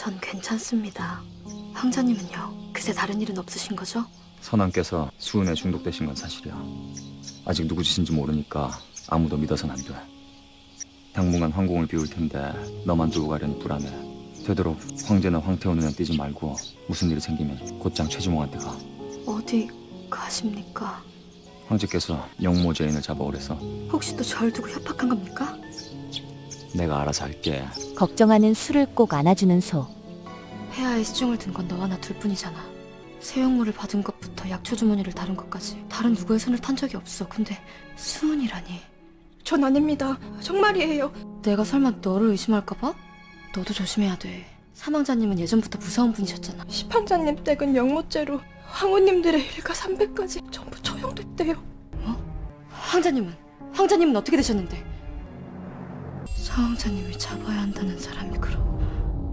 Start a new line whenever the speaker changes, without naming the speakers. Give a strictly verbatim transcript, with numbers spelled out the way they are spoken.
전 괜찮습니다. 황자님은요? 그새 다른 일은 없으신 거죠?
선왕께서 수은에 중독되신 건 사실이야. 아직 누구 짓인지 모르니까 아무도 믿어서는 안 돼. 당분간 황궁을 비울 텐데 너만 두고 가려니 불안해. 되도록 황제나 황태호 눈에 띄지 말고 무슨 일이 생기면 곧장 최지몽한테 가.
어디 가십니까?
황제께서 영모 죄인을 잡아오래서
혹시 또 절 두고 협박한 겁니까?
내가 알아서 할게.
걱정하는 수를 꼭 안아주는 소.
폐하에 시중을 든 건 너와 나 둘뿐이잖아. 세용물을 받은 것부터 약초 주머니를 다룬 것까지 다른 누구의 손을 탄 적이 없어. 근데 수은이라니.
전 아닙니다. 정말이에요.
내가 설마 너를 의심할까 봐? 너도 조심해야 돼. 사망자님은 예전부터 무서운 분이셨잖아.
시판자님 댁은 영모죄로 황후님들의 일가 삼백까지 전부 처형됐대요.
황자님은? 황자님은 어떻게 되셨는데? 사왕자님이 잡아야 한다는 사람이 그러고